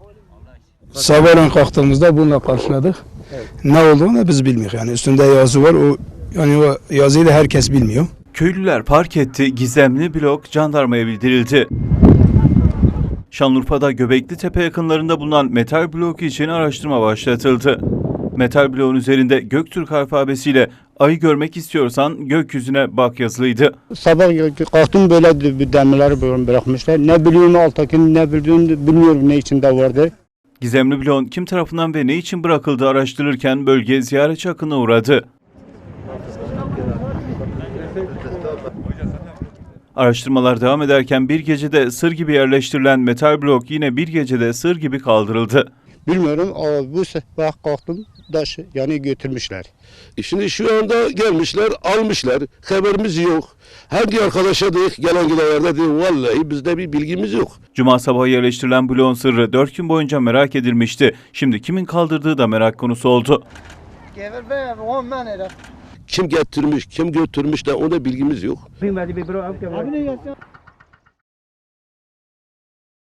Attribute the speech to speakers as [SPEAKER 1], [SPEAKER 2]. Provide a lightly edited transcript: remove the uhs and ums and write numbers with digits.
[SPEAKER 1] Sabahleyin kalktığımızda bununla karşıladık.
[SPEAKER 2] Evet.
[SPEAKER 1] Ne olduğunu biz bilmiyoruz. Yani üstünde yazı var. O yazıyı da herkes bilmiyor.
[SPEAKER 3] Köylüler fark etti, gizemli blok jandarmaya bildirildi. Şanlıurfa'da Göbeklitepe yakınlarında bulunan metal blok için araştırma başlatıldı. Metal bloğun üzerinde Göktürk alfabesiyle "Ayı görmek istiyorsan gökyüzüne bak" yazılıydı.
[SPEAKER 2] Sabah kalktım, böyle bir demirleri böyle bırakmışlar. Ne biliyorum alttakini, ne bildiğini bilmiyorum, ne içinde vardı.
[SPEAKER 3] Gizemli bloğun kim tarafından ve ne için bırakıldığı araştırılırken bölge ziyaretçi akınına uğradı. Araştırmalar devam ederken bir gecede sır gibi yerleştirilen metal blok yine bir gecede sır gibi kaldırıldı.
[SPEAKER 2] Bilmiyorum ama bu sabah kalktım, taşı yani götürmüşler.
[SPEAKER 4] Şimdi şu anda gelmişler, almışlar. Haberimiz yok. Hangi arkadaşa dedik, gelen gidenlerde dedik, vallahi bizde bir bilgimiz yok.
[SPEAKER 3] Cuma sabahı yerleştirilen bloğun sırrı 4 gün boyunca merak edilmişti. Şimdi kimin kaldırdığı da merak konusu oldu.
[SPEAKER 4] Kim getirmiş, kim götürmüş de ona bilgimiz yok.
[SPEAKER 5] Abi ne gelsin?